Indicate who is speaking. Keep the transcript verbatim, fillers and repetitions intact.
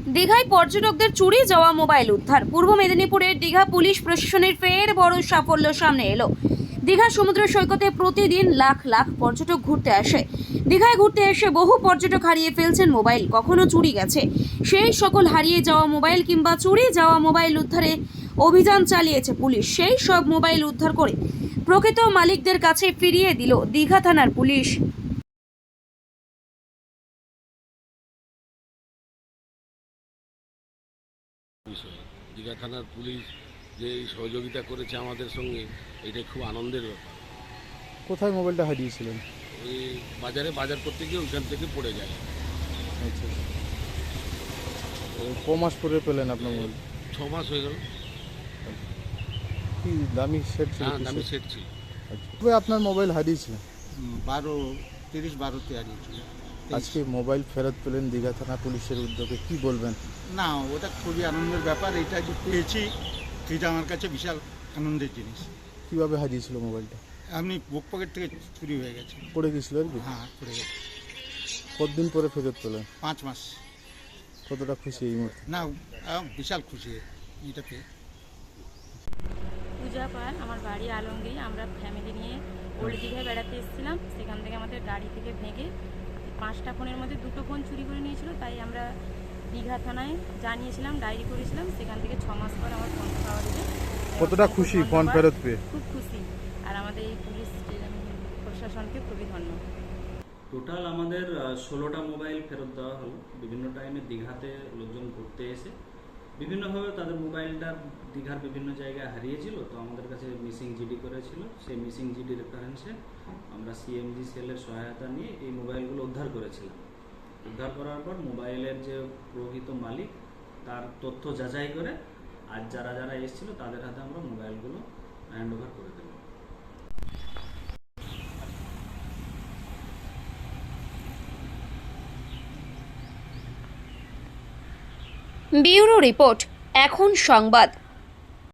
Speaker 1: দীঘায় পর্যটকদের চুরি যাওয়া মোবাইল উদ্ধার। পূর্ব মেদিনীপুরের দীঘা পুলিশ প্রশাসনের ফের বড় সাফল্য সামনে এলো। দীঘা সমুদ্র সৈকতে প্রতিদিন লাখ লাখ পর্যটক ঘুরতে আসে। দীঘায় ঘুরতে এসে বহু পর্যটক হারিয়ে ফেলছেন মোবাইল, কখনো চুরি গেছে। সেই সকল হারিয়ে যাওয়া মোবাইল কিংবা চুরি যাওয়া মোবাইল উদ্ধারে অভিযান চালিয়েছে পুলিশ। সেই সব মোবাইল উদ্ধার করে প্রকৃত মালিকদের কাছে ফিরিয়ে দিল দীঘা থানার পুলিশ।
Speaker 2: বিষয় দীঘা থানার পুলিশ যে এই সহযোগিতা করেছে আমাদের সঙ্গে, এটা খুব আনন্দের ব্যাপার।
Speaker 3: কোথায় মোবাইলটা হারিয়েছিলেন?
Speaker 2: ওই বাজারে বাজার করতে গিয়ে ওইখান থেকে পড়ে যায়।
Speaker 3: আচ্ছা, ক মাস পরে পেলেন আপনার মোবাইল?
Speaker 2: ছ মাস হয়ে গেল।
Speaker 3: কি দামি সেট ছিল?
Speaker 2: হ্যাঁ, দামি সেট ছিল।
Speaker 3: আচ্ছা, তবে আপনার মোবাইল হারিয়েছিলেন?
Speaker 4: বারো তিরিশ বারোতে হারিয়েছিল।
Speaker 3: আজকে মোবাইল ফেরত পেলেন দীঘা থানা পুলিশের উদ্যোগে, কি বলবেন?
Speaker 4: না, ওটা খুবই আনন্দের ব্যাপার। এটা যে পেয়েছি এটা আমার কাছে বিশাল আনন্দের জিনিস।
Speaker 3: কিভাবে হারিয়েছিল মোবাইলটা?
Speaker 4: আপনি বুক পকেট থেকে চুরি হয়ে গেছে।
Speaker 3: পড়ে গেছিল আর কি?
Speaker 4: হ্যাঁ, পড়ে গেছে।
Speaker 3: কতদিন পরে ফেরত পেলেন?
Speaker 4: পাঁচ মাস।
Speaker 3: কতটা খুশি এই মুহূর্তে?
Speaker 4: না, আহ, বিশাল খুশি এটা পেয়ে।
Speaker 5: পূজা পাল, আমার বাড়ি আলমগীর। আমরা ফ্যামিলি নিয়ে ওল্ড দীঘায় বেড়াতে এসেছিলাম। সেখান থেকে আমাদের গাড়ি থেকে ভেঙে পাঁচটা ফোনের মধ্যে দুটো ফোন চুরি করে নিয়েছিল। তাই আমরা দীঘা থানায় জানিয়েছিলাম, ডায়েরি করেছিলাম। সেখান থেকে ছ মাস পর আমার ফোন পাওয়া গেছে।
Speaker 3: কতটা খুশি ফোন ফেরত পেয়ে?
Speaker 5: খুব খুশি। আর আমাদের এই পুলিশ প্রশাসনকে খুবই ধন্যবাদ।
Speaker 6: টোটাল আমাদের ষোলোটা মোবাইল ফেরত দেওয়া হলো। বিভিন্ন টাইমে দীঘাতে লোকজন ঘুরতে এসে বিভিন্নভাবে তাদের মোবাইলটা দীঘার বিভিন্ন জায়গায় হারিয়েছিল, তো আমাদের কাছে মিসিং জিডি করেছিল। সেই মিসিং জিডি রেফারেন্সে আমরা সিএমজি সেলের সহায়তা নিয়ে এই মোবাইলগুলো উদ্ধার করেছিলাম। উদ্ধার করার পর মোবাইলের যে প্রকৃত মালিক তার তথ্য যাচাই করে আজ যারা যারা এসেছিল তাদের হাতে আমরা মোবাইলগুলো হ্যান্ড ওভার করে দিলাম।
Speaker 1: ব্যুরো রিপোর্ট, এখন সংবাদ।